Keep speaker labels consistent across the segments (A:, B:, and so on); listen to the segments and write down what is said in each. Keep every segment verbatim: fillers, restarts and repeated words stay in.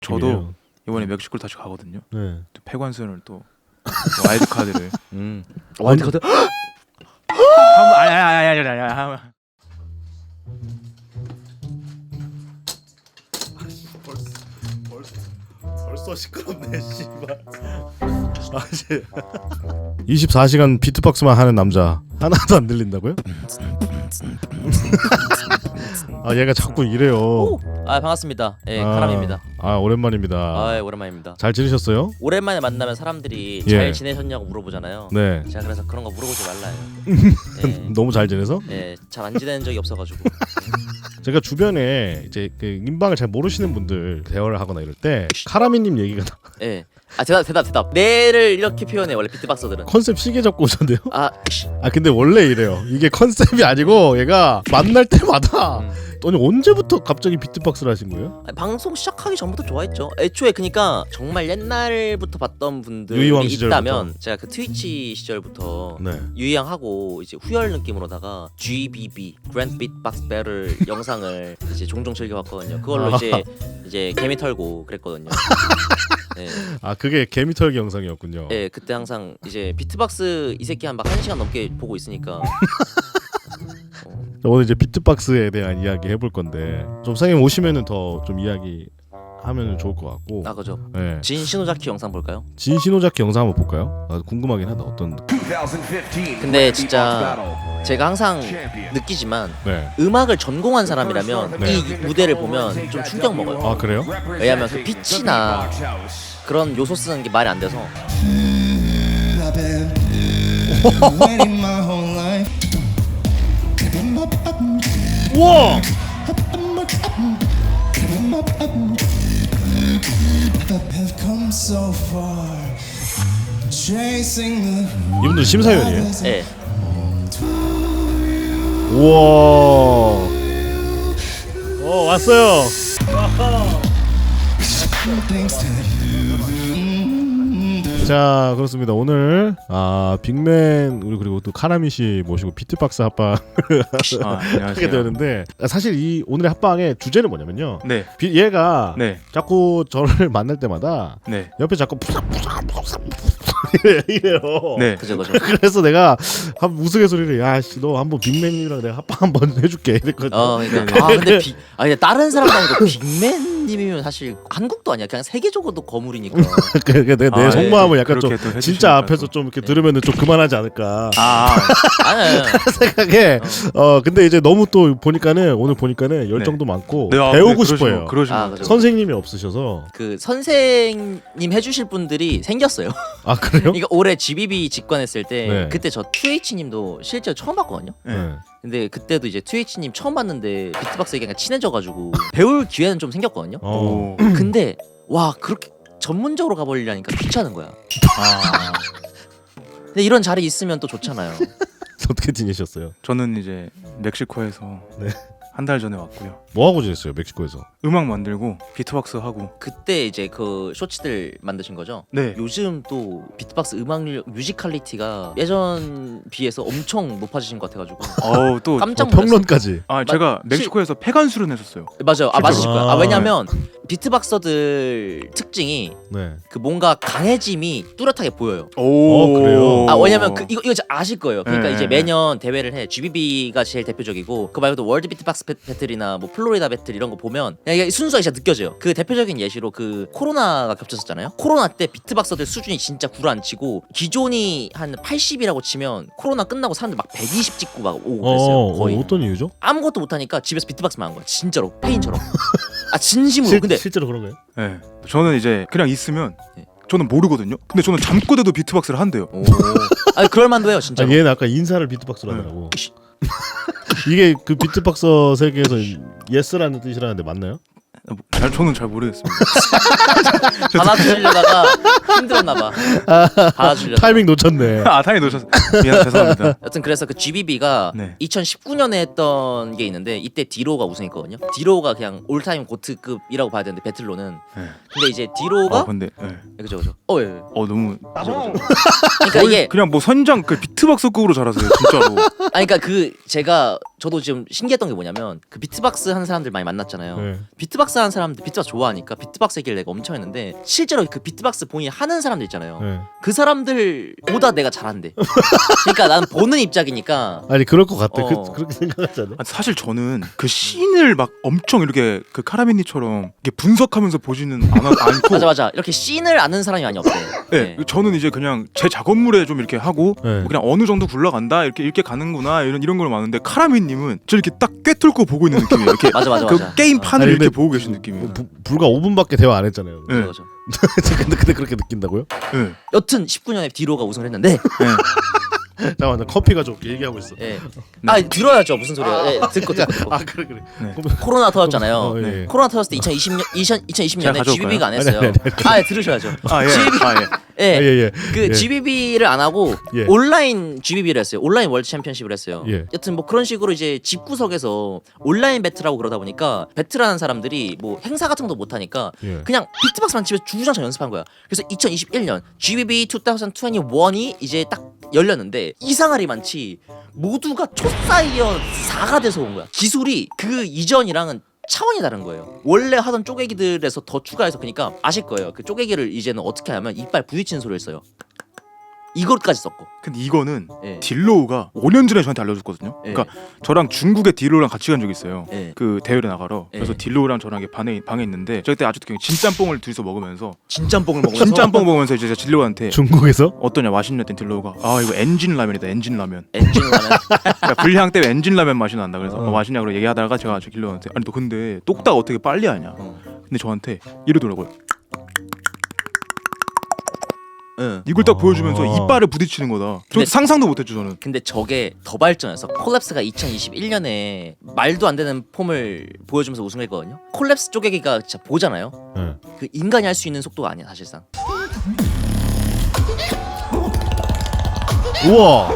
A: 저도
B: 비밀이에요.
A: 이번에 멕시코를 다시 가거든요.
B: 네.
A: 또 폐관순을 또 와일드 카드를.
C: 음.
A: 와일드 카드. 한번 아니 아니 아니 아니 아니. 한번.
B: 벌써 시끄럽네 씨발. 아씨. 이십사 시간 비트박스만 하는 남자 하나도 안 들린다고요? 아 얘가 자꾸 이래요.
C: 오! 아 반갑습니다. 예,
B: 아,
C: 카람입니다.
B: 아 오랜만입니다.
C: 아, 예, 오랜만입니다.
B: 잘 지내셨어요?
C: 오랜만에 만나면 사람들이
B: 예.
C: 잘 지내셨냐고 물어보잖아요.
B: 네.
C: 제가 그래서 그런 거 물어보지 말라요. 예,
B: 너무 잘 지내서?
C: 예, 잘 안 지내는 적이 없어가지고.
B: 제가 주변에 이제 그 인방을 잘 모르시는 분들 대화를 하거나 이럴 때 카라미님 얘기가 나-
C: 예. 아 대답 대답 대답. 내를 이렇게 표현해 원래 비트박서들은.
B: 컨셉 시계 잡고 오셨는데요?
C: 아,
B: 아 근데 원래 이래요. 이게 컨셉이 아니고 얘가 만날 때마다
C: 음.
B: 아니 언제부터 갑자기 비트박스를 하신 거예요?
C: 아니, 방송 시작하기 전부터 좋아했죠. 애초에 그니까 정말 옛날부터 봤던 분들이
B: 유희왕 시절부터.
C: 있다면 제가 그 트위치 시절부터
B: 네.
C: 유희왕하고 이제 후열 느낌으로다가 지비비 그랜드 비트박스 배틀 영상을 이제 종종 즐겨봤거든요. 그걸로
B: 아.
C: 이제 이제 개미 털고 그랬거든요. 네.
B: 아 그게 개미털기 영상이었군요.
C: 네, 그때 항상 이제 비트박스 이 새끼 한 막 한 시간 넘게 보고 있으니까. 어,
B: 오늘 이제 비트박스에 대한 이야기 해볼 건데 좀 선생님 오시면은 더 좀 이야기 하면은 좋을 것 같고.
C: 아 그죠.
B: 네.
C: 진 신호자키 영상 볼까요?
B: 진신호자키 영상 한번 볼까요? 아, 궁금하긴 하다 어떤.
C: 근데 진짜 제가 항상 느끼지만
B: 네.
C: 음악을 전공한 사람이라면
B: 네.
C: 이 무대를 보면 좀 충격 먹어요.
B: 아 그래요?
C: 왜냐면 그 빛이나 그런 요소 쓰는 게 말이 안 돼서.
D: I've been waiting my whole life.
B: 우와.
D: I've come so far, chasing the.
B: 이분들 심사위원이에요?
C: 네.
B: 우와. 어 왔어요.
D: things to
B: 자 그렇습니다. 오늘 아 빅맨 우리 그리고 또 카라미 씨 모시고 비트박스 합방
A: 아,
B: 하게
A: 안녕하세요.
B: 되었는데 사실 이 오늘의 합방의 주제는 뭐냐면요.
A: 네.
B: 비, 얘가
A: 네.
B: 자꾸 저를 만날 때마다
A: 네.
B: 옆에 자꾸 푸삭푸삭푸삭 이래요.
A: 네.
C: 그죠 그죠.
B: 그래서 내가 한 우스갯소리를 야씨 너 한번 빅맨이랑 내가 합방 한번 해줄게 이랬거든.
C: 어 그러니까 아 근데 비, 아 근데 다른 사람 아니고 빅맨님이면 사실 한국도 아니야. 그냥 세계적으로도 거물이니까.
B: 그러니까 내가 내
A: 아,
B: 속마음을
A: 예.
B: 약간 좀
A: 그렇게 또 해주시니까
B: 진짜 앞에서
A: 또.
B: 좀 이렇게 들으면은 좀 그만하지 않을까.
A: 아,
C: 아니 아니. 아니.
B: 생각에 어 근데 이제 너무 또 보니까는 오늘 보니까는 열정도 많고
A: 네, 아,
B: 배우고
A: 네, 그러시면-
B: 싶어요.
A: 그러시면
C: 아, 그죠.
B: 선생님이 없으셔서.
C: 그 선생님 해주실 분들이 생겼어요.
B: 아 그래요?
C: 그러니까 올해 지비비 직관했을 때
B: 네.
C: 그때 저 투에이치님도 실제로 처음 봤거든요.
A: 네.
C: 근데 그때도 이제 투에이치님 처음 봤는데 비트박스 얘기가 친해져가지고 배울 기회는 좀 생겼거든요.
B: 어.
A: 오.
C: 근데 와 그렇게 전문적으로 가버리려니까 귀찮은 거야.
A: 아,
C: 근데 이런 자리 있으면 또 좋잖아요.
B: 어떻게 지내셨어요?
A: 저는 이제 멕시코에서
B: 네.
A: 한 달 전에 왔고요.
B: 뭐 하고 지냈어요 멕시코에서?
A: 음악 만들고 비트박스 하고.
C: 그때 이제 그 쇼츠들 만드신 거죠?
A: 네.
C: 요즘 또 비트박스 음악 뮤지컬리티가 예전 비해서 엄청 높아지신 것 같아가지고
A: 어우 또.
C: 깜짝
B: 어,
C: 놀랐어요.
B: 평론까지.
A: 아 제가 멕시코에서 폐관수련 했었어요.
C: 맞아요. 아 맞으실 거예요. 아
B: 아,
C: 왜냐면 비트박서들 특징이
B: 네.
C: 그 뭔가 강해짐이 뚜렷하게 보여요.
A: 오.
B: 어, 그래요?
C: 아 왜냐면 그 이거 이거 진짜 아실 거예요. 그러니까
A: 네,
C: 이제
A: 네,
C: 매년 대회를 해. 지비비가 제일 대표적이고 그 말고도 월드 비트박스 배- 배틀이나 뭐 플로리다 배틀 이런 거 보면 그냥 이게 순수하게 진짜 느껴져요. 그 대표적인 예시로 그 코로나가 겹쳤었잖아요. 코로나 때 비트박서들 수준이 진짜 구라앉히고 기존이 한 팔십이라고 치면 코로나 끝나고 사람들 막 백이십 찍고 막 오고 그랬어요.
B: 어,
C: 거의.
B: 어, 어떤 이유죠?
C: 아무것도 못하니까 집에서 비트박스만 한 거야. 진짜로 페인처럼. 아 진심으로.
B: 실,
C: 근데
B: 실제로 그런 거예요?
A: 네. 저는 이제 그냥 있으면
C: 네.
A: 저는 모르거든요. 근데 저는 잠꼬대도 비트박스를 한대요.
C: 오. 아니 그럴 만도 해요 진짜.
B: 아, 얘는 아까 인사를 비트박스로 하더라고. 이게 그 비트박서 세계에서 예스라는 뜻이라는데 맞나요?
A: 뭐, 잘 저는 잘 모르겠습니다.
C: 받아주려다가 힘들었나 봐. 받아주려다.
B: 타이밍 놓쳤네.
A: 아 당연히 놓쳤어. 미안 죄송합니다.
C: 여튼 그래서 그 지비비가
A: 네.
C: 이천십구 년에 했던 게 있는데 이때 디로가 우승했거든요. 디로가 그냥 올타임 고트급이라고 봐야 되는데 배틀로는.
A: 네.
C: 근데 이제 디로가
A: 어 근데 네.
C: 그죠 그죠. 어 예. 예.
A: 어 너무
C: 그죠 그죠. 그러니까 이게
A: 그냥 뭐 선장 그 비트박스급으로 잘하세요 진짜로.
C: 아니 그러니까 그 제가 저도 지금 신기했던 게 뭐냐면 그 비트박스 하는 사람들 많이 만났잖아요.
B: 네.
C: 비트박스 하는 사람들 비트박스 좋아하니까 비트박스 얘기를 내가 엄청 했는데 실제로 그 비트박스 본인이 하는 사람들 있잖아요.
B: 네.
C: 그 사람들보다 내가 잘한대. 그러니까 나는 보는 입장이니까.
B: 아니 그럴 것 같아.
C: 어.
B: 그, 그렇게 생각하지 않아?
A: 아, 사실 저는 그 씬을 막 엄청 이렇게 그 카라미니처럼 이렇게 분석하면서 보지는 않아, 않고
C: 맞아 맞아. 이렇게 씬을 아는 사람이 많이 없대.
A: 네, 저는 이제 그냥 제 작업물에 좀 이렇게 하고
B: 네.
A: 뭐 그냥 어느 정도 굴러간다 이렇게 이렇게 가는구나 이런 이런 걸 많은데 카라미님은 저 이렇게 딱 꿰뚫고 보고 있는 느낌이에요. 이렇게
C: 맞아 맞아
A: 그
C: 맞아.
A: 게임판을
B: 아니,
A: 이렇게
B: 근데
A: 보고 계신 느낌이에요.
B: 부, 불과 오 분밖에 대화 안 했잖아요.
A: 네.
C: 맞아 맞아.
B: 근데, 근데 그렇게 느낀다고요?
A: 네.
C: 여튼 십구 년에 디로가 우승을 했는데.
A: 네.
B: 잠깐만 나 커피가 좀 얘기하고 있어.
C: 예. 아 들어야죠 무슨 소리야. 예, 듣고 듣고 듣고.
B: 아 그래 그래.
A: 네.
C: 코로나 터졌잖아요.
B: 어, 예.
C: 코로나 터졌을 때 이천이십 년 이천이십 년에
A: 제가 가져올까요?
C: 지비비가 안 했어요.
B: 아니, 아니, 아니,
C: 아 예, 들으셔야죠.
A: 아 예.
C: 지비비.
A: 아 예.
C: 예.
B: 아, 예, 예.
C: 그
B: 예.
C: 지비비를 안 하고
B: 예.
C: 온라인 지비비를 했어요. 온라인 월드 챔피언십을 했어요.
B: 예.
C: 여튼 뭐 그런 식으로 이제 집구석에서 온라인 배틀하고 그러다 보니까 배틀하는 사람들이 뭐 행사 같은 것도 못 하니까
B: 예.
C: 그냥 비트박스만 집에서 주구장창 연습한 거야. 그래서 이천이십일 년 지비비 이천이십일이 이제 딱 열렸는데 이상하리 많지. 모두가 초사이언 사가 돼서 온 거야. 기술이 그 이전이랑은 차원이 다른 거예요. 원래 하던 쪼개기들에서 더 추가해서 그러니까 아실 거예요. 그 쪼개기를 이제는 어떻게 하면 이빨 부딪히는 소리를 써요. 이것까지 썼고.
A: 근데 이거는
C: 예.
A: 딜로우가 오 년 전에 저한테 알려줬거든요.
C: 예.
A: 그러니까 저랑 중국에 딜로우랑 같이 간 적이 있어요.
C: 예.
A: 그 대회를 나가러.
C: 예.
A: 그래서 딜로우랑 저랑 이렇게 방에 방에 있는데 저 그때 아직도 그냥 진짬뽕을 둘이서 먹으면서
C: 진짬뽕을 먹으면서
A: 진짬뽕 먹으면서 이제 제가 딜로우한테
B: 중국에서?
A: 어떠냐 맛있냐 했더니 딜로우가 아 이거 엔진 라면이다 엔진 라면.
C: 엔진 라면.
A: 그러니까 불향 때문에 엔진 라면 맛이 난다. 그래서
B: 어.
A: 뭐 맛있냐고 얘기하다가 제가 저 딜로우한테 아니 너 근데 똑딱 어떻게 빨리 하냐.
C: 어.
A: 근데 저한테 이러더라고요.
C: 응.
A: 이걸 딱 보여주면서
B: 어.
A: 이빨을 부딪히는 거다. 저
C: 근데-
A: 상상도 못했죠 저는.
C: 근데 저게 더 발전해서 콜랩스가 이천이십일 년에 말도 안 되는 폼을 보여주면서 우승했거든요. 콜랩스 쪼개기가 진짜 보잖아요.
B: 네.
C: 그 인간이 할 수 있는 속도가 아니야 사실상.
B: 우와.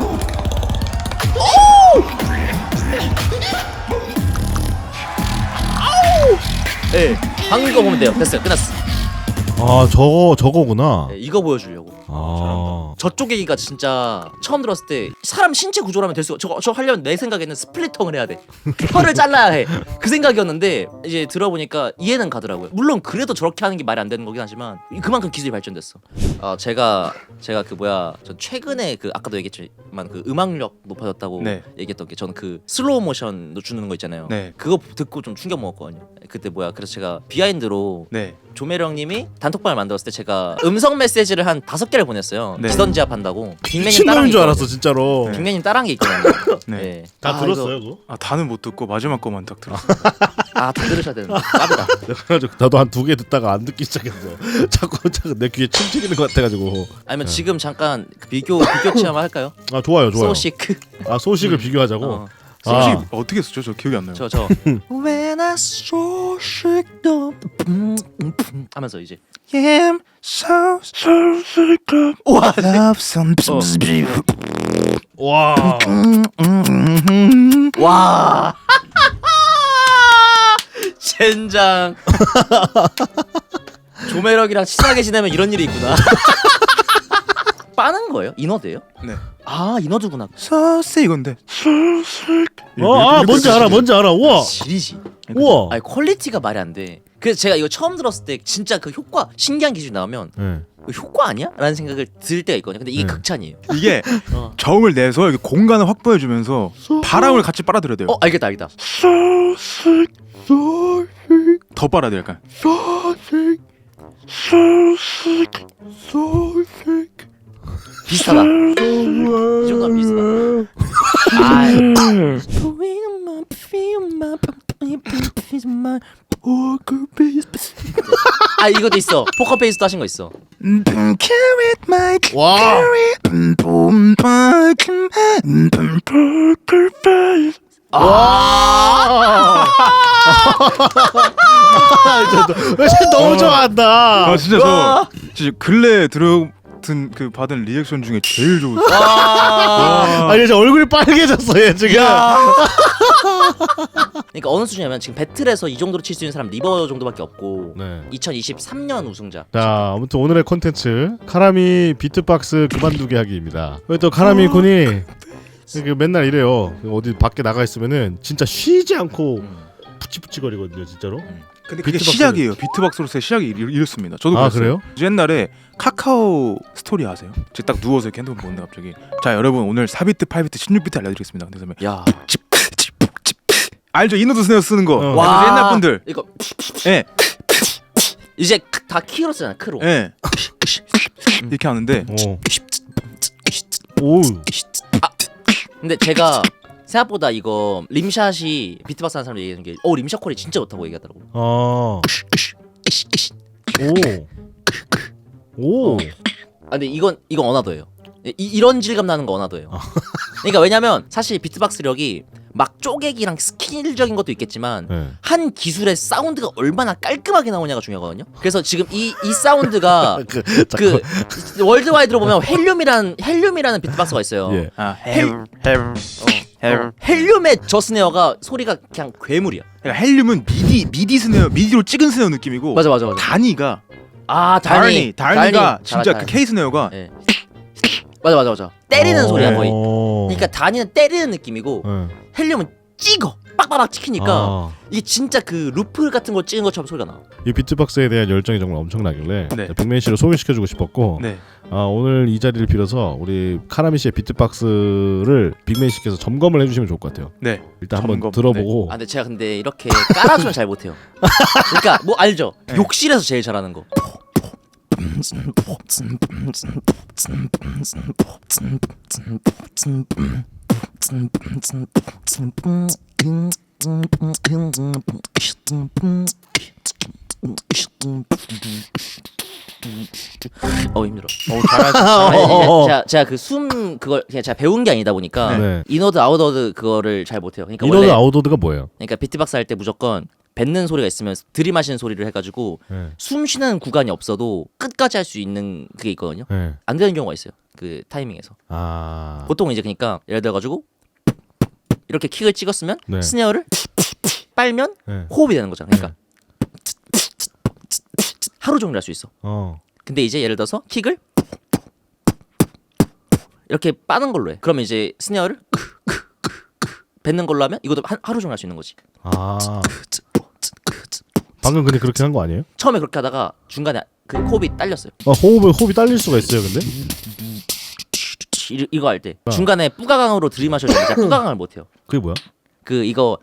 C: 예. 방금 거 보면 돼요. 됐어요. 끝났어.
B: 아 저거 저거구나.
C: 예, 이거 보여주려고.
B: 아.
C: 저 쪼개기가 진짜 처음 들었을 때 사람 신체 구조라면 될 수가 저거 저 하려면 내 생각에는 스플리터를 해야 돼. 혀를 잘라야 해. 그 생각이었는데 이제 들어보니까 이해는 가더라고요. 물론 그래도 저렇게 하는 게 말이 안 되는 거긴 하지만 그만큼 기술이 발전됐어. 아 제가 제가 그 뭐야 전 최근에 그 아까도 얘기했지만 그 음악력 높아졌다고
A: 네.
C: 얘기했던 게 저는 그 슬로우 모션 주는 거 있잖아요.
A: 네.
C: 그거 듣고 좀 충격 먹었거든요. 그때 뭐야 그래서 제가 비하인드로
A: 네.
C: 조매령님이 단톡방을 만들었을 때 제가 음성 메시지를 한 다섯 개를 보냈어요.
A: 네.
C: 지선지압 한다고. 빅맨님
B: 미친놈인
C: 따라한 게
B: 줄
C: 있거든요.
B: 알았어 진짜로.
C: 빅맨님 따라한 게 있거든요.
A: 네.
C: 네.
B: 다
C: 아,
B: 들었어요
C: 이거-
B: 그거?
A: 아 다는 못 듣고 마지막 거만 딱 들었어.
C: 아, 다 들으셔야 되는데. 까비다.
B: 그래가지고 나도 한 두 개 듣다가 안 듣기 시작했어. 자꾸 자꾸 내 귀에 침 튀기는 것 같아가지고.
C: 아니면 지금 잠깐 그 비교 비교 체험 할까요?
B: 아 좋아요 좋아요.
C: 소시크.
B: 아 소식을 비교하자고.
C: 어.
A: 혹시
B: 아.
A: 어떻게 쓰죠? 저 기억이 안 나요.
C: 저 저. When I so sick 하면서 이제
A: am so so sick of
C: 우와.
A: love some
B: 와.
C: 와. 젠장. 조매력이랑 친하게 지내면 이런 일이 있구나. 빠는 거예요? 인어드예요?
A: 네.
C: 아 인어드구나.
A: so sick 이건데. so sick.
B: 어, 아 뭔지 알아 뭔지 알아. 우와.
C: 지리지.
B: 우와.
C: 아니 퀄리티가 말이 안 돼. 그래서 제가 이거 처음 들었을 때 진짜 그 효과 신기한 기술이 나오면
B: 네.
C: 이거 효과 아니야? 라는 생각을 들 때가 있거든요. 근데 이게
B: 네.
C: 극찬이에요.
A: 이게
C: 어.
A: 정을 내서 이렇게 공간을 확보해주면서 바람을 같이 빨아들여야 돼요.
C: 어 알겠다 알겠다.
A: so sick, so sick. 더 빨아야 돼 약간. so sick, so sick, so sick.
C: 비슷하다. 이 정도면 비슷하다. 아이. 아 이것도 있어. 포커페이스도 하신 거 있어.
B: 와. 와. 너무 좋아한다.
A: 아 진짜 저 진짜 근래 들어든 그 받은 리액션 중에 제일 좋은.
C: 와.
B: 아니 저 얼굴이 빨개졌어 얘 지금.
C: 그러니까 어느 수준이냐면 지금 배틀에서 이 정도로 칠 수 있는 사람 리버 정도밖에 없고
B: 네.
C: 이천이십삼 년 우승자.
B: 자 아무튼 오늘의 콘텐츠 카라미 비트박스 그만두게 하기입니다. 왜 또 카라미 군이 그 맨날 이래요. 어디 밖에 나가 있으면은 진짜 쉬지 않고
C: 음.
B: 푸치푸치거리거든요, 진짜로.
C: 음.
A: 근데 그게
B: 비트박스.
A: 시작이에요. 비트박스로서의 시작이 이렇- 이렇습니다. 저도
B: 아,
A: 그랬어요.
B: 그래요?
A: 저 옛날에 카카오 스토리 아세요? 제가 딱 누워서 이렇게 핸드폰 보는데 갑자기 자 여러분 오늘 사 비트, 팔 비트, 십육 비트 알려드리겠습니다. 그래서
C: 야.
A: 알죠? 이노드 스네어 쓰는 거.
B: 어.
A: 와. 옛날 분들.
C: 이거
A: 예,
C: 이제 크- 다 키로 쓰잖아. 크로.
A: 예. 이렇게 하는데
B: 어. 오.
C: 근데 제가 생각보다 이거 림샷이 비트박스 하는 사람들 얘기하는 게 어 림샷 콜이 진짜 좋다고 얘기하더라고.
B: 아. 오. 오.
C: 아 근데 이건 이건 언어도예요. 이, 이런 질감 나는 거 언어도예요. 그러니까 왜냐면 사실 비트박스력이 막 쪼개기랑 스킬적인 것도 있겠지만
B: 네.
C: 한 기술의 사운드가 얼마나 깔끔하게 나오냐가 중요하거든요. 그래서 지금 이 이 사운드가
B: 그,
C: 그 월드와이드로 보면 헬륨이라는 헬륨이라는 비트박스가 있어요.
B: 예.
A: 아, 헬, 헬, 헬.
C: 헬륨의 저 스네어가 소리가 그냥 괴물이야.
A: 그러니까 헬륨은 미디 미디 스네어, 미디로 찍은 스네어 느낌이고
C: 맞아 맞아 맞아.
A: 다니가
C: 아
A: 다니,
C: 다니
A: 다니가
C: 다니.
A: 진짜
C: 잘하-
A: 그 K 스네어가
C: 예. 맞아 맞아 맞아. 때리는
B: 어.
C: 소리야 거의.
B: 어.
C: 그러니까 다니는 때리는 느낌이고
B: 네.
C: 헬륨은 찍어 빡빡빡 찍히니까
B: 아.
C: 이게 진짜 그 루프 같은 거 찍은 것처럼 소리가 나.
B: 이 비트박스에 대한 열정이 정말 엄청나길래
A: 네.
B: 빅맨 씨를 소개시켜주고 싶었고
A: 네.
B: 아, 오늘 이 자리를 빌어서 우리 카라미 씨의 비트박스를 빅맨 씨께서 점검을 해주시면 좋을 것 같아요.
A: 네.
B: 일단 한번
A: 점검,
B: 들어보고.
C: 아 근데 제가 근데 이렇게 깔아주면 잘 못해요. 그러니까 뭐 알죠?
A: 네.
C: 욕실에서 제일 잘하는 거. 어 힘들어.
A: 어, 잘하시.
C: 아니,
B: 어.
C: 이제 제가 제가 그 숨 그걸 그냥 제가 배운 게 아니다 보니까
B: 네.
C: 인워드 아웃워드 그거를 잘 못해요. 그러니까
B: 이노드
C: 원래
B: 아웃워드가 뭐예요?
C: 그러니까 비트박스 할 때 무조건 뱉는 소리가 있으면 들이마시는 소리를 해가지고
B: 네.
C: 숨 쉬는 구간이 없어도 끝까지 할 수 있는 그게 있거든요.
B: 네.
C: 안 되는 경우가 있어요. 그 타이밍에서.
B: 아.
C: 보통 이제 그러니까 예를 들어가지고 이렇게 킥을 찍었으면
B: 네.
C: 스네어를 빨면
B: 네.
C: 호흡이 되는 거잖아. 그러니까 하루 종일 할 수 있어.
B: 어.
C: 근데 이제 예를 들어서 킥을 이렇게 빠는 걸로 해. 그러면 이제 스네어를 뱉는 걸로 하면 이것도 한, 하루 종일 할 수 있는 거지.
B: 아. 방금 근데 그렇게 한 거 아니에요?
C: 처음에 그렇게 하다가 중간에 그 호흡이 딸렸어요.
B: 아, 호흡을 호흡이 딸릴 수가 있어요, 근데?
C: 이, 이거 할 때
B: 어.
C: 중간에 뿌가강으로 들이마셔야 되는데 제가 뿌가강을 못 해요.
B: 그게 뭐야?
C: 그 이거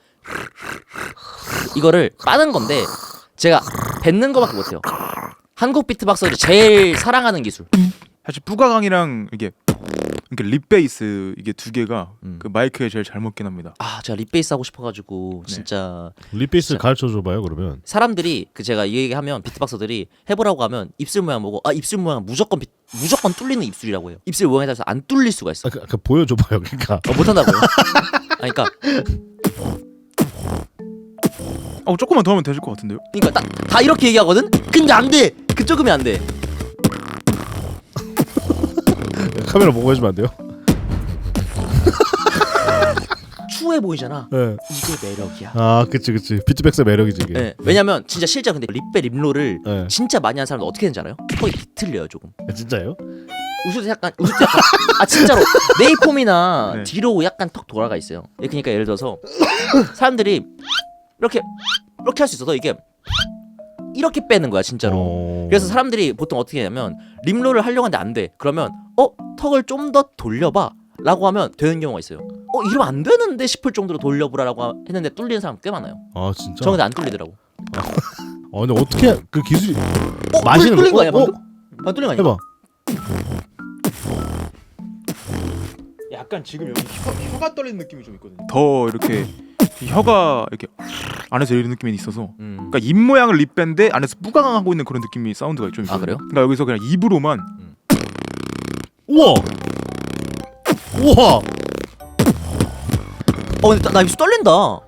C: 이거를 빠는 건데 제가 뱉는 거밖에 못 해요. 한국 비트박서들이 제일 사랑하는 기술.
A: 사실 뿌가강이랑 이게 이렇게 립 베이스 이게 두 개가
C: 음.
A: 그 마이크에 제일 잘 먹긴 합니다.
C: 아 제가 립베이스 하고 싶어가지고
A: 네.
C: 진짜
B: 립베이스 가르쳐 줘봐요, 그러면.
C: 사람들이 그 제가 이 얘기하면 비트박서들이 해보라고 하면 입술 모양 보고 아 입술 모양 무조건 비, 무조건 뚫리는 입술이라고 해요. 입술 모양에 따라서 안 뚫릴 수가 있어.
B: 아, 그, 그 보여줘봐요, 그러니까.
C: 어, 못한다고요? 아니, 그러니까
A: 어 조금만 더 하면 되실 것 같은데요?
C: 그러니까 다, 다 이렇게 얘기하거든. 근데 안 돼. 그쪽이면 안 돼.
B: 카메라 보고 해주면 안 돼요?
C: 추해 보이잖아.
B: 네.
C: 이게 매력이야.
B: 아, 그치, 그치. 비트박스의 매력이지, 이게.
C: 네. 왜냐면 진짜 실제 근데 립베 립롤을
B: 네.
C: 진짜 많이 하는 사람들 어떻게 되는지 알아요? 턱이 비틀려요 조금.
B: 아, 진짜요?
C: 웃을 때 약간 웃을 때 약간 아 진짜로 네이폼이나
A: 네.
C: 뒤로 약간 턱 돌아가 있어요. 예, 그러니까 예를 들어서 사람들이 이렇게 이렇게 할 수 있어서 이게 이렇게 빼는 거야 진짜로.
B: 어...
C: 그래서 사람들이 보통 어떻게 하냐면 립롤을 하려고 하는데 안 돼. 그러면 어 턱을 좀 더 돌려봐. 라고 하면 되는 경우가 있어요. 어 이러면 안 되는데 싶을 정도로 돌려보라고 했는데 뚫리는 사람 꽤 많아요.
B: 아, 진짜?
C: 저 근데 안 뚫리더라고.
B: 어, 근데 어떻게 그 기술이
C: 어?
B: 마시는
C: 뚫린
B: 거-
C: 거 아니야
B: 어?
C: 방금? 안 뚫린 거 아니야?
B: 해봐.
A: 약간 지금 여기 혀, 혀가 떨리는 느낌이 좀 있거든요. 더 이렇게 이 혀가 이렇게 안에서 이런 느낌이 있어서
C: 음.
A: 그러니까 입 모양을 립밴데 안에서 뿌강하고 있는 그런 느낌이 사운드가 좀 있어요.
C: 아, 그래요?
A: 그러니까 여기서 그냥 입으로만
B: 우와. 우와.
C: 어 근데 나, 나 입술 떨린다.
A: 어,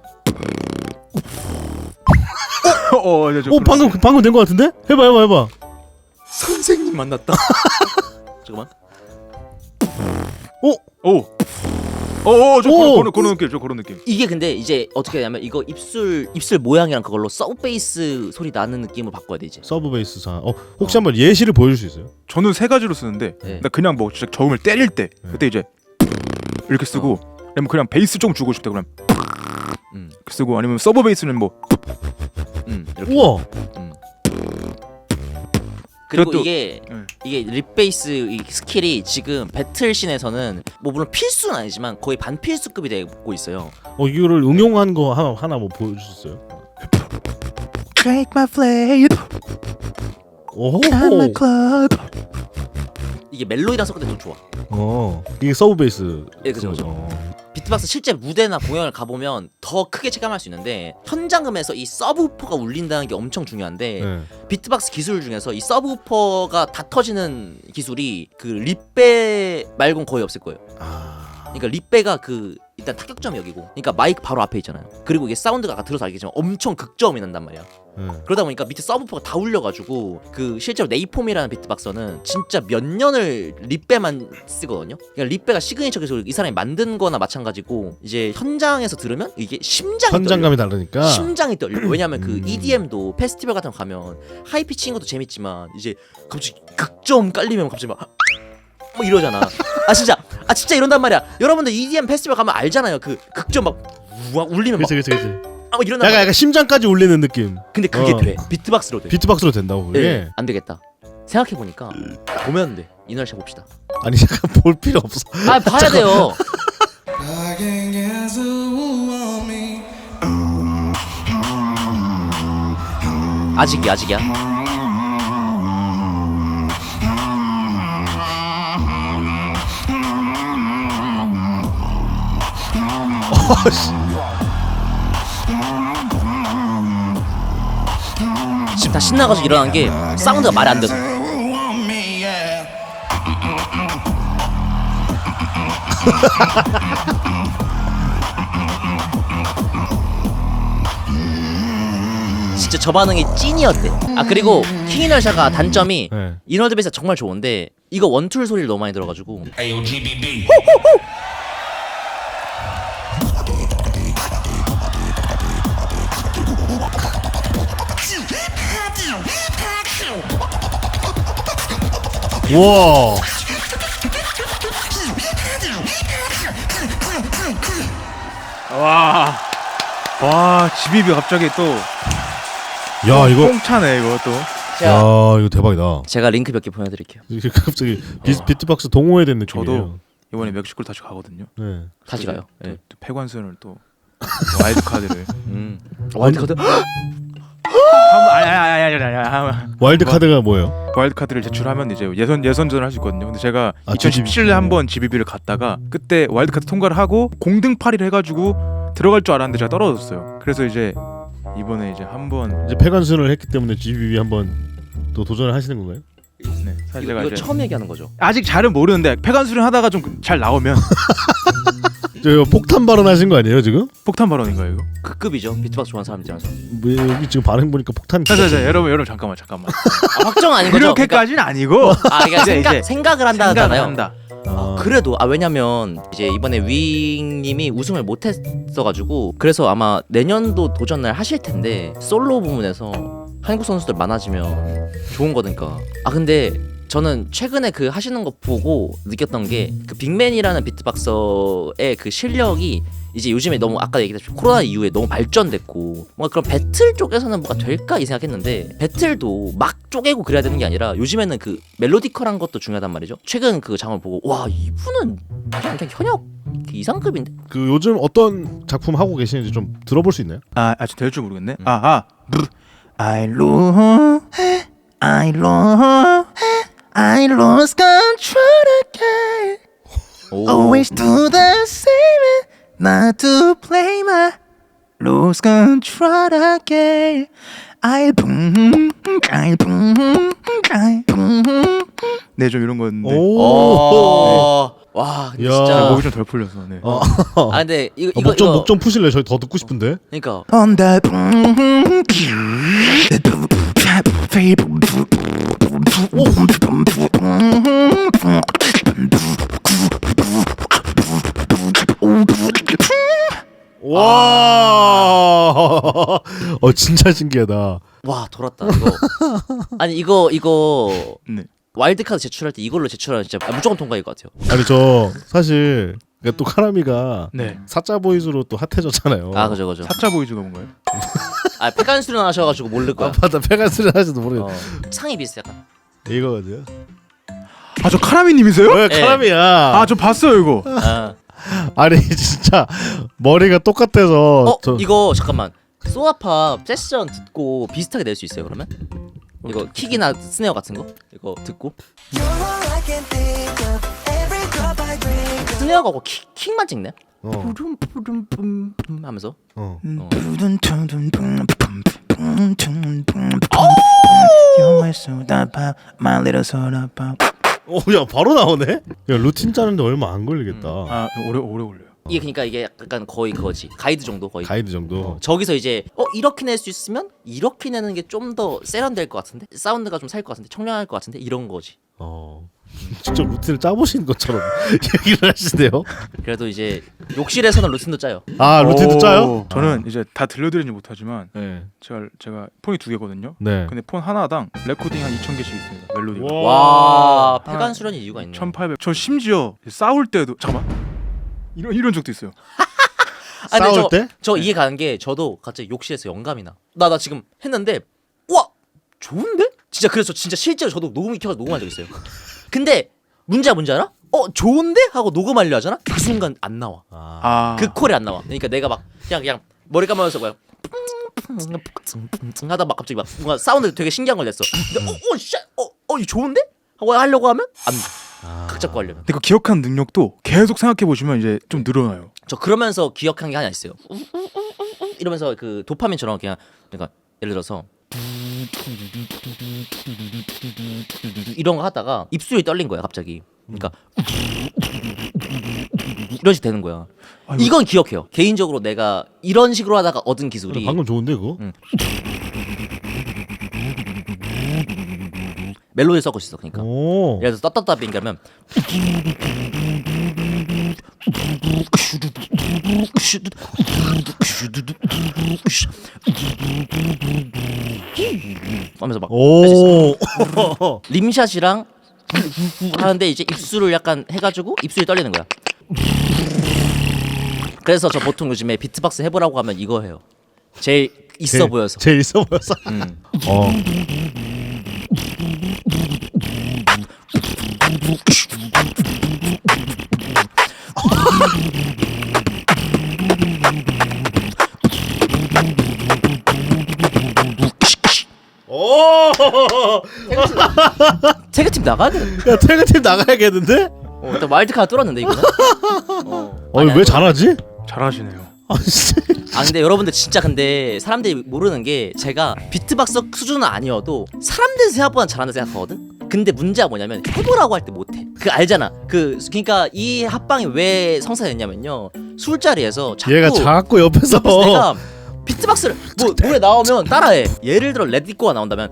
A: 어, 네, 저
B: 오,
A: 그런-
B: 방금 방금 된 거 같은데? 해봐, 해봐, 해봐.
C: 선생님 만났다. 잠깐만.
A: 오, 오, 오, 저
B: 오!
A: 그런, 그런, 그런 느낌, 저 그런 느낌.
C: 이게 근데 이제 어떻게 되냐면 이거 입술 입술 모양이랑 그걸로 서브베이스 소리 나는 느낌으로 바꿔야 돼 이제.
B: 서브 베이스 사. 어, 혹시 한번 예시를 보여줄 수 있어요?
A: 저는 세 가지로 쓰는데,
C: 네.
A: 나 그냥 뭐 진짜 저음을 때릴 때,
B: 네.
A: 그때 이제 이렇게 쓰고 아니면 그냥 베이스 좀 주고 싶다 그러면
C: 음.
A: 이렇게 쓰고 아니면 서브 베이스는 뭐
C: 음. 이렇게.
B: 우와.
C: 음. 그리고
A: 그것도-
C: 이게
A: 응.
C: 이게 립베이스 이 스킬이 지금 배틀씬에서는 뭐 물론 필수는 아니지만 거의 반필수급이 되고 있어요.
B: 어 이거를 응용한 거 하나 하나 뭐 보여주셨어요?
A: Take my flame,
B: 오.
A: come my club.
C: 이게 멜로디랑 섞을 때 좀 좋아.
B: 어 이게 서브 베이스.
C: 예, 그죠, 그죠.
B: 어.
C: 비트박스 실제 무대나 공연을 가보면 더 크게 체감할 수 있는데 현장음에서 이 서브우퍼가 울린다는 게 엄청 중요한데
B: 네.
C: 비트박스 기술 중에서 이 서브우퍼가 다 터지는 기술이 그 립배 말곤 거의 없을 거예요.
B: 아.
C: 그러니까 립배가 그 일단 타격점이 여기고 그러니까 마이크 바로 앞에 있잖아요. 그리고 이게 사운드가 아까 들어서 알겠지만 엄청 극저음이 난단 말이야.
B: 네.
C: 그러다 보니까 밑에 서브우퍼가 다 울려가지고 그 실제로 네이폼이라는 비트박서는 진짜 몇 년을 립배만 쓰거든요. 그러니까 립배가 시그니처 기술 이 사람이 만든 거나 마찬가지고 이제 현장에서 들으면 이게 심장이
B: 현장감이
C: 떨려.
B: 다르니까.
C: 심장이 떨려. 왜냐면 그
B: 음.
C: 이디엠도 페스티벌 같은 거 가면 하이피치인 것도 재밌지만 이제 갑자기 극저음 깔리면 갑자기 막 뭐 이러잖아. 아 진짜 아 진짜 이런단 말이야. 여러분들 이디엠 페스티벌 가면 알잖아요. 그 극저음 막 우와 울리면 막
B: 그치 그치 그치.
C: 아, 뭐 이런단
B: 약간
C: 말이야.
B: 약간 심장까지 울리는 느낌.
C: 근데 그게
B: 어.
C: 돼. 비트박스로 돼.
B: 비트박스로 된다고 그게.
C: 네, 안 되겠다. 생각해 보니까 보면 돼. 이날샤 봅시다.
B: 아니 잠깐 볼 필요 없어.
C: 아 봐야 돼요.
D: I can guess who want me.
C: 아직이야 아직이야. 지금 다 신나가지고 일어난 게 사운드가 말이 안 돼서.
D: Who want me, yeah.
C: 진짜 저 반응이 찐이었대. 아 그리고 킹이널샤가 단점이
B: 네.
C: 이너드 베이스가 정말 좋은데 이거 원툴 소리를 너무 많이 들어가지고
E: Ayo G B B.
B: 우와.
A: 와, 와 지비비 갑자기 또
B: 야 이거.
A: 뽕차네 이거 또.
C: 제가,
B: 야 이거 대박이다.
C: 제가 링크 몇 개 보내드릴게요.
B: 이게 갑자기 비, 비트박스 동호회 된 느낌이에요.
A: 저도 이번에 멕시코를 다시 가거든요.
B: 네.
C: 다시 가요.
A: 또,
C: 네.
A: 또 폐관순을 또 와일드 카드를.
C: 음. 와일드카드?
A: 아니 아니 아니 아니 아니.
B: 와일드 카드가 뭐예요?
A: 와일드 카드를 제출하면 이제 예선 예선전을 할 수 있거든요. 근데 제가
B: 아,
A: 이천십칠 년에 한번 지비비를 갔다가 그때 와일드 카드 통과를 하고 공등팔이를 해가지고 들어갈 줄 알았는데 제가 떨어졌어요. 그래서 이제 이번에 이제 한번
B: 이제 폐관순을 했기 때문에 지비비 한번 또 도전을 하시는 건가요?
A: 네, 사실
C: 이거,
A: 제가
C: 이거
A: 이제
C: 처음 얘기하는 거죠?
A: 아직 잘은 모르는데 폐관수련 하다가 좀 잘 나오면
B: 저 이거 폭탄 발언하신 거 아니에요 지금?
A: 폭탄 발언인가요 이거?
C: 그 급이죠. 비트박스 좋아하는 사람 입장에서.
B: 뭐 여기 지금 반응 보니까 폭탄.
A: 자, 자, 자, 여러분 여러분 잠깐만 잠깐만.
C: 아, 확정 아닌 거죠?
A: 이렇게까지는 아니고
C: 그러니까, 아 그러니까
A: 이제,
C: 생각,
A: 이제
C: 생각을 한다
A: 생각을
C: 하잖아요.
A: 한다.
B: 아,
C: 그래도 아 왜냐면 이제 이번에 윙님이 우승을 못했어가지고 그래서 아마 내년도 도전을 하실 텐데 솔로 부문에서 한국 선수들 많아지면 좋은 거니까. 아 근데 저는 최근에 그 하시는 거 보고 느꼈던 게 그 빅맨이라는 비트박서의 그 실력이 이제 요즘에 너무 아까 얘기했듯이 코로나 이후에 너무 발전됐고 뭔가 그런 배틀 쪽에서는 뭐가 될까 이 생각했는데 배틀도 막 쪼개고 그래야 되는 게 아니라 요즘에는 그 멜로디컬한 것도 중요하단 말이죠. 최근 그 장을 보고 와 이분은 그냥, 그냥 현역 이상급인데.
B: 그 요즘 어떤 작품 하고 계시는지 좀 들어볼 수 있나요?
A: 아 아직 될 줄 모르겠네. 아아 I lose I lose I lost control again.
C: 오.
A: Always do the same, not to play my lose control again. I boom, I boom, I boom. 네, 좀 이런 건데.
B: 오.
C: 어. 와 근데
B: 야.
C: 진짜.
A: 목이 좀 덜 풀려서. 네.
B: 어.
C: 아 근데 이거
B: 어,
C: 이거
B: 목좀
C: 이거
B: 목좀 푸실래요? 저희 더 듣고 싶은데.
C: 그러니까
A: On the
B: 와. 어 진짜 신기하다.
C: 와 돌았다 이거. 아니 이거 이거
A: 네.
C: 와일드카드 제출할 때 이걸로 제출하면 진짜 무조건 통과일 것 같아요.
B: 아니 저 사실 그러니까 또 카라미가
A: 네.
B: 사짜 보이즈로 또 핫해졌잖아요.
C: 아 그죠 그죠.
A: 사짜 보이즈가 뭔가요?
C: 아 폐간 수련하셔가지고 모를 거야.
B: 아 맞다. 페가스를 하지도 모르겠.
C: 어. 상이 비슷해 약간.
B: 이거거든요.
A: 아 저 카라미님이세요?
B: 왜 카라미야?
A: 아 저 봤어요 이거.
C: 아.
B: 아니 진짜 머리가 똑같아서.
C: 어
B: 저...
C: 이거 잠깐만. 소아팝 세션 듣고 비슷하게 낼 수 있어요 그러면? 이거 킥이나 스네어 같은 거 이거 듣고 스네어가 고 킥, 킥만 찍네.
B: 어.
C: 푸름 푸름 뿜 뿜 하면서.
B: 어.
C: 어.
B: 오, 야 바로 나오네. 야 루틴 짜는데 얼마 안 걸리겠다.
A: 아 오래 오래 걸려요.
C: 이게 그러니까 이게 약간 거의 그거지 가이드 정도 거의.
B: 가이드 정도.
C: 어, 저기서 이제 어 이렇게 낼 수 있으면 이렇게 내는 게 좀 더 세련될 것 같은데 사운드가 좀 살 것 같은데 청량할 것 같은데 이런 거지.
B: 어. 직접 루틴을 짜보신 것처럼 얘기를 하시네요.
C: 그래도 이제 욕실에서는 루틴도 짜요.
B: 아 루틴도
A: 오,
B: 짜요?
A: 저는 이제 다 들려드리지 못하지만
B: 네.
A: 제가 제가 폰이 두 개거든요.
B: 네.
A: 근데 폰 하나당 레코딩 한 이천 개씩 있습니다. 멜로디가.
C: 와
A: 아,
C: 폐간 수련이 이유가 있네.
A: 천팔백. 저 심지어 싸울 때도 잠깐만. 이런 이런 적도 있어요.
C: 아, 근데
B: 싸울
C: 저,
B: 때?
C: 저 이해 가는 게 저도 갑자기 욕실에서 영감이 나. 나 나 지금 했는데 와 좋은데? 진짜 그래서 진짜 실제로 저도 녹음기 켜서 녹음한 적 있어요. 근데 문제가 뭔지 알아? 어 좋은데? 하고 녹음하려 하잖아? 그 순간 안 나와.
B: 아.
A: 아.
C: 그 콜이 안 나와. 그러니까 내가 막 그냥 그냥 머리 감으면서 뭐야 하다 막 갑자기 막 뭔가 사운드 되게 신기한 걸 냈어. 근데 어어씨어어 이 좋은데? 하고 하려고 하면 안 돼.
B: 아.
C: 각 잡고 하려면.
A: 근데 그 기억하는 능력도 계속 생각해 보시면 이제 좀 늘어나요.
C: 저 그러면서 기억한 게 하나 있어요. 이러면서 그 도파민처럼 그냥 그러니까 예를 들어서 이런 거 하다가 입술이 떨린 거야 갑자기. 그러니까 이런 식 되는 거야.
A: 아이고.
C: 이건 기억해요. 개인적으로 내가 이런 식으로 하다가 얻은 기술이
B: 방금 좋은데 그거?
C: 응. 멜로디 섞을 수 있어. 그러니까
B: 오.
C: 예를 들어서 따따따빙 하면 하면서 막 할 수 있어.
B: 오.
C: 림샷이랑 하는데 이제 입술을 약간 해가지고 입술이 떨리는 거야. 그래서 저 보통 요즘에 비트박스 해보라고 하면 이거 해요. 제일 있어
B: 제일-
C: 보여서.
B: 제일 있어 보여서.
C: 음.
B: 어. 오.
C: 태그팀 나가야 돼.
B: 야 태그팀 나가야겠는데?
C: 어, 일단 와일드카드 뚫었는데 이거는. 어.
B: 어
C: 아니,
B: 왜
C: 아니,
B: 잘하지?
A: 잘하시네요.
B: 아씨.
C: 아 근데 여러분들 진짜 근데 사람들이 모르는 게 제가 비트박스 수준은 아니어도 사람들 생각보다 잘한다 생각하거든. 근데 문제가 뭐냐면 해보라고 할 때 못해. 그 알잖아. 그 그러니까 이 합방이 왜 성사됐냐면요. 술자리에서 자꾸
B: 얘가 자꾸 옆에서.
C: 옆에서 내가 비트박스를 뭐 노래 나오면 따라해. 예를 들어 레디꼬가 나온다면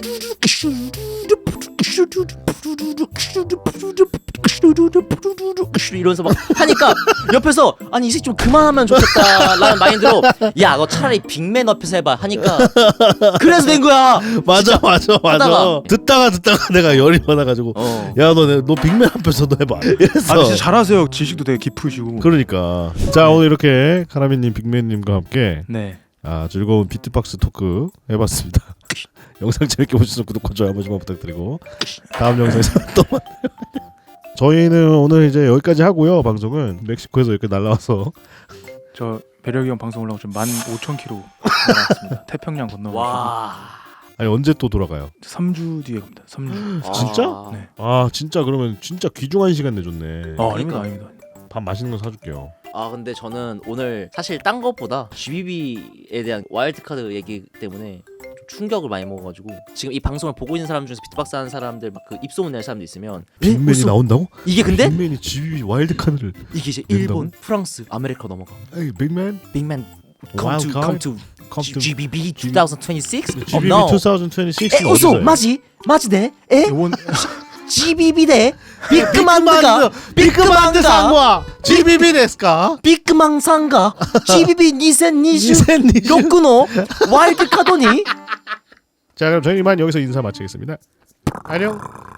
C: 이러면서 막 하니까 옆에서 아니 이 새끼 좀 그만하면 좋겠다라는 마인드로 야 너 차라리 빅맨 옆에서 해봐 하니까 그래서 된 거야.
B: 맞아 맞아 맞아.
C: 하다가.
B: 듣다가 듣다가 내가 열이 받아가지고
C: 어.
B: 야 너 너 빅맨 앞에서도 해봐. 이랬어.
A: 아 진짜 잘하세요. 지식도 되게 깊으시고.
B: 그러니까 자 오늘 이렇게 카라미님 빅맨님과 함께
A: 네.
B: 아, 즐거운 비트박스 토크 해봤습니다. 영상 재밌게 보셔서 구독과 좋아요 한 번씩만 부탁드리고 다음 영상에서 또 만나요. 저희는 오늘 이제 여기까지 하고요. 방송은 멕시코에서 이렇게 날라와서
A: 저 매력이 형 방송 올라오고 지금 만 오천 킬로 나왔습니다. 태평양 건너가지고
C: 와.
B: 아니 언제 또 돌아가요?
A: 삼 주 뒤에 갑니다. 삼 주.
B: 진짜?
C: 아.
A: 네.
B: 아 진짜 그러면 진짜 귀중한 시간 내줬네.
A: 아, 아닙니다,
C: 그러니까.
A: 아닙니다.
B: 밥 맛있는 거 사줄게요.
C: 아 근데 저는 오늘 사실 딴 것보다 지비비에 대한 와일드카드 얘기 때문에 좀 충격을 많이 먹어가지고 지금 이 방송을 보고 있는 사람 중에서 비트박스 하는 사람들 막 그 입소문 낼 사람도 있으면
B: 빅맨이
C: 무슨-
B: 나온다고?
C: 이게 근데
B: 빅맨이 지비 와일드 카드를
C: 이게 이제
B: 낸다고?
C: 일본, 프랑스, 아메리카 넘어가.
B: 에이 빅맨
C: 빅맨 come
B: Wild
C: to
B: card?
C: come to
B: come to
C: 지비비 이천이십육? Oh
B: 지비비
C: no.
B: 이천이십육
C: 에 우소 마지 마지네 에
A: 요번
C: 지비비네 비크만드가
B: 비크만드 상과 지비비 데스까?
C: 비크망상가 지비비 이천이십육
B: 이천이십육.
C: 로쿠노 와일드카드니.
B: 자 그럼 저희 이만 여기서 인사 마치겠습니다. 안녕.